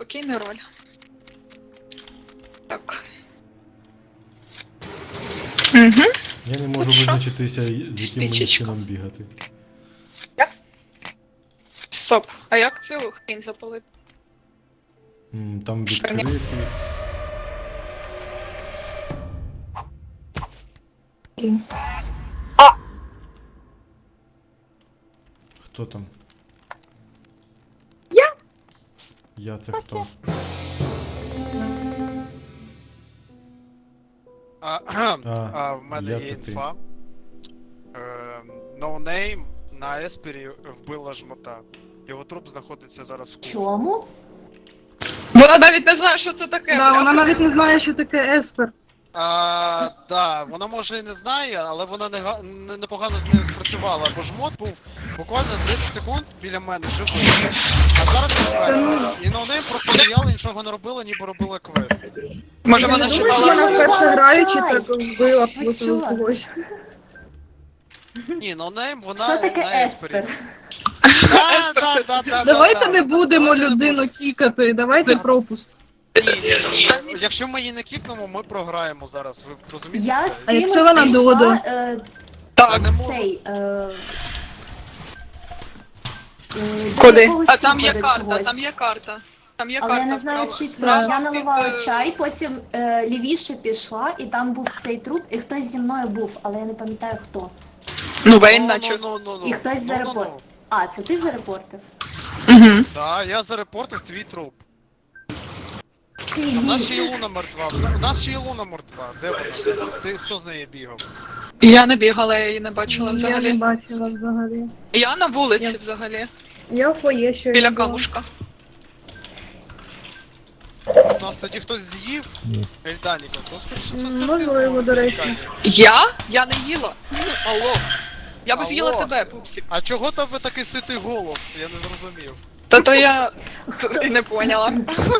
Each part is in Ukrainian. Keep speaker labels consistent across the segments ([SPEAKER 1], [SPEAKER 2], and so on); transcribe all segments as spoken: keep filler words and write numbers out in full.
[SPEAKER 1] спокійна роль. Так. Угу.
[SPEAKER 2] Я не можу
[SPEAKER 1] Що?
[SPEAKER 2] визначитися, з яким мені
[SPEAKER 1] Свічечка.
[SPEAKER 2] чином бігати.
[SPEAKER 1] Як? Стоп, а як цю хрінь запалити?
[SPEAKER 2] М, Там
[SPEAKER 1] Що, ні?
[SPEAKER 2] відкрити.
[SPEAKER 1] А!
[SPEAKER 2] Хто там?
[SPEAKER 1] Я.
[SPEAKER 2] Я це хто?
[SPEAKER 3] А, кхем,
[SPEAKER 2] А,
[SPEAKER 3] а, в мене
[SPEAKER 2] я
[SPEAKER 3] є
[SPEAKER 2] це ти.
[SPEAKER 3] інфа. Ем, No Name на Еспері вбила жмота. Його труп знаходиться зараз в кухні.
[SPEAKER 4] Чому?
[SPEAKER 1] Вона навіть не знає, що це таке.
[SPEAKER 5] Да,
[SPEAKER 1] бля.
[SPEAKER 5] вона навіть не знає, що таке еспер.
[SPEAKER 3] А, да, вона може і не знає, але вона нега- не- непогано з ним спрацювала, бо жмот був буквально тридцять секунд біля мене живий. А зараз він вмер. І No Name просто стояла, нічого не робила, ніби робила квест.
[SPEAKER 1] Може
[SPEAKER 5] Я
[SPEAKER 1] вона
[SPEAKER 5] не думаю, що
[SPEAKER 1] читала.
[SPEAKER 5] вона
[SPEAKER 4] наливала
[SPEAKER 5] вперше
[SPEAKER 4] чай.
[SPEAKER 5] граючи, так вбила
[SPEAKER 4] Ви
[SPEAKER 5] просто
[SPEAKER 4] чого?
[SPEAKER 5] когось.
[SPEAKER 3] Ні, No Name, вона
[SPEAKER 4] Що таке
[SPEAKER 3] на Еспері.
[SPEAKER 4] еспер?
[SPEAKER 3] Да, да, да, да,
[SPEAKER 5] Давайте
[SPEAKER 3] да,
[SPEAKER 5] не
[SPEAKER 3] да.
[SPEAKER 5] будемо
[SPEAKER 3] Давайте не
[SPEAKER 5] людину кікати, давайте пропуск.
[SPEAKER 3] Ні, ні, ні. Якщо ми її не кікнемо, ми програємо зараз. Ви розумієте?
[SPEAKER 4] Я
[SPEAKER 3] це?
[SPEAKER 4] з
[SPEAKER 5] А якщо
[SPEAKER 4] кимось
[SPEAKER 5] вона
[SPEAKER 4] пішла
[SPEAKER 5] Додо?
[SPEAKER 4] е,
[SPEAKER 1] Так.
[SPEAKER 3] не
[SPEAKER 4] в
[SPEAKER 3] можу.
[SPEAKER 4] цей... Е, е, до
[SPEAKER 1] Куди?
[SPEAKER 4] якогось
[SPEAKER 1] А там є
[SPEAKER 4] типу, до
[SPEAKER 1] карта,
[SPEAKER 4] чогось.
[SPEAKER 1] там є карта. Там є
[SPEAKER 4] Але
[SPEAKER 1] карта.
[SPEAKER 4] я не знаю,
[SPEAKER 1] справа-
[SPEAKER 4] чи це.
[SPEAKER 1] справа
[SPEAKER 4] Я
[SPEAKER 1] під,
[SPEAKER 4] наливала
[SPEAKER 1] е,
[SPEAKER 4] чай, потім е, лівіше пішла, і там був цей труп, і хтось зі мною був, але я не пам'ятаю хто.
[SPEAKER 1] Ну, Вейн
[SPEAKER 3] Ну,
[SPEAKER 1] наче.
[SPEAKER 3] ну, ну, ну.
[SPEAKER 4] І хтось
[SPEAKER 3] Ну, ну,
[SPEAKER 4] зарепортив.
[SPEAKER 3] ну.
[SPEAKER 4] А, це ти зарепортив?
[SPEAKER 1] Угу.
[SPEAKER 3] Да, я зарепортив твій труп.
[SPEAKER 4] Чи
[SPEAKER 3] У нас ще
[SPEAKER 4] ні?
[SPEAKER 3] є Луна мертва. У нас ще є Луна мертва. Де вона зараз? Ти хто з нею бігав?
[SPEAKER 1] Я не бігала, я її не бачила
[SPEAKER 5] Я не
[SPEAKER 1] взагалі.
[SPEAKER 5] бачила взагалі.
[SPEAKER 1] Я на вулиці
[SPEAKER 5] Я-
[SPEAKER 1] взагалі.
[SPEAKER 5] Я в фоє ще
[SPEAKER 1] Біля камушка.
[SPEAKER 3] У нас тоді хтось з'їв Ельданіка, то скоріше за все ти
[SPEAKER 5] Можливо,
[SPEAKER 3] з'їв
[SPEAKER 5] до речі.
[SPEAKER 3] Ельданіка.
[SPEAKER 1] Я? Я не їла. Алло. Я б
[SPEAKER 3] Алло.
[SPEAKER 1] з'їла тебе, пупсик.
[SPEAKER 3] А чого тебе такий ситий голос? Я не зрозумів.
[SPEAKER 1] Та то я
[SPEAKER 4] Хто?
[SPEAKER 1] не поняла.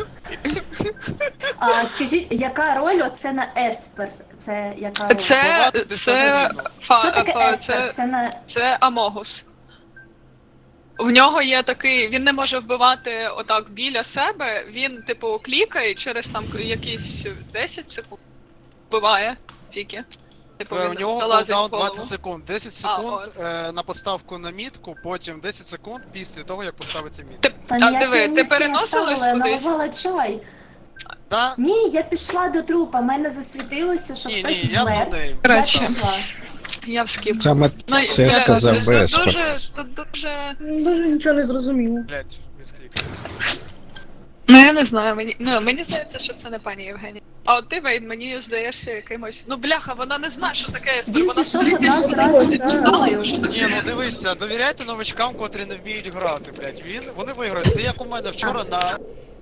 [SPEAKER 4] А, скажіть, яка роль оце на еспер? Це яка роль?
[SPEAKER 1] Це,
[SPEAKER 3] Вбивати
[SPEAKER 1] це,
[SPEAKER 3] дистанційно.
[SPEAKER 1] фа,
[SPEAKER 4] Що таке
[SPEAKER 1] фа-
[SPEAKER 4] еспер?
[SPEAKER 1] це,
[SPEAKER 4] Це на...
[SPEAKER 1] це Амогус. В нього є такий, він не може вбивати отак біля себе, він, типу, клікає і через там якісь десять секунд вбиває тільки. Типу,
[SPEAKER 3] Е,
[SPEAKER 1] він
[SPEAKER 3] У нього
[SPEAKER 1] залазить в
[SPEAKER 3] кулдаун
[SPEAKER 1] голову.
[SPEAKER 3] двадцять секунд. десять
[SPEAKER 1] А,
[SPEAKER 3] секунд
[SPEAKER 1] от.
[SPEAKER 3] е, на поставку на мітку, потім десять секунд після того, як поставиться мітка.
[SPEAKER 1] Ти,
[SPEAKER 4] Та
[SPEAKER 1] а
[SPEAKER 4] ніякі
[SPEAKER 1] диви, ти
[SPEAKER 4] мітки не
[SPEAKER 1] переносилась
[SPEAKER 4] ставила, я
[SPEAKER 1] кудись?
[SPEAKER 4] наливала чай.
[SPEAKER 3] Да?
[SPEAKER 4] Ні, я пішла до трупа, мене засвітилося, що
[SPEAKER 3] Ні,
[SPEAKER 4] хтось
[SPEAKER 3] ні, я
[SPEAKER 4] вмер.
[SPEAKER 3] нонейм.
[SPEAKER 4] Я
[SPEAKER 1] Коротше,
[SPEAKER 4] пішла.
[SPEAKER 1] я в скіп.
[SPEAKER 6] Саме
[SPEAKER 1] Ну,
[SPEAKER 6] це
[SPEAKER 1] бля,
[SPEAKER 6] сказав
[SPEAKER 1] тут
[SPEAKER 6] Веспер.
[SPEAKER 1] дуже, тут дуже...
[SPEAKER 5] Дуже нічого не зрозуміло.
[SPEAKER 3] Блять, місклік.
[SPEAKER 1] Ну я не знаю, мені, ну, мені здається, що це не пані Євгенія. А от ти, Вейн, мені здаєшся якимось... Ну бляха, вона не знає, що таке еспер.
[SPEAKER 4] Він
[SPEAKER 1] Вона
[SPEAKER 4] пішов
[SPEAKER 1] сидить і
[SPEAKER 4] одразу
[SPEAKER 1] сидить,
[SPEAKER 4] разом
[SPEAKER 1] і
[SPEAKER 4] зі
[SPEAKER 1] читала,
[SPEAKER 4] мною.
[SPEAKER 1] що таке
[SPEAKER 3] Ні, ну
[SPEAKER 1] еспер.
[SPEAKER 3] дивіться, довіряйте новачкам, котрі не вміють грати, блять. Він, вони виграють. Це як у мене вчора на...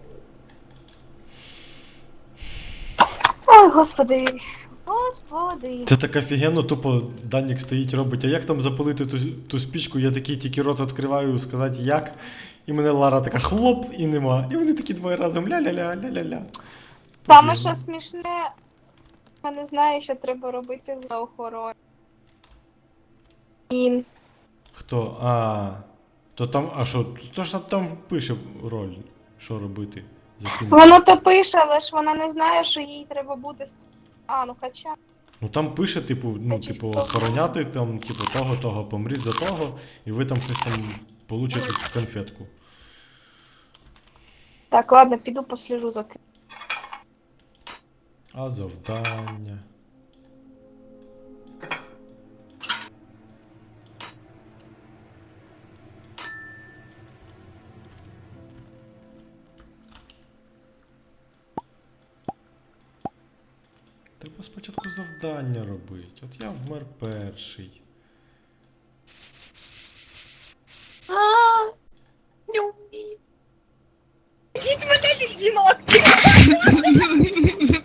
[SPEAKER 7] Ой, господи. Господи.
[SPEAKER 2] Це так офігенно, тупо Данік стоїть, робить, а як там запалити ту, ту спічку, я такий тільки рот відкриваю, сказати як. І мене Лара така хлоп і нема. І вони такі двоє разом ля-ля-ля, ля-ля-ля.
[SPEAKER 7] Саме що смішне, я не знаю, що треба робити за охороною. Він.
[SPEAKER 2] Хто? А. То там, а що, то ж там пише роль, що робити. За ким.
[SPEAKER 7] Воно то пише, але ж вона не знає, що їй треба буде. ст- А, ну хоча.
[SPEAKER 2] Ну там пише, типу, ну,
[SPEAKER 7] Та
[SPEAKER 2] типу,
[SPEAKER 7] чисто.
[SPEAKER 2] охороняти, там, типу, того, того, помріть за того, і ви там щось там получите конфетку.
[SPEAKER 7] Так, ладно, піду посліжу за ким.
[SPEAKER 2] А завдання. Треба спочатку завдання робити. От я вмер перший.
[SPEAKER 7] А, не вмію. Ідіть мене, людинок!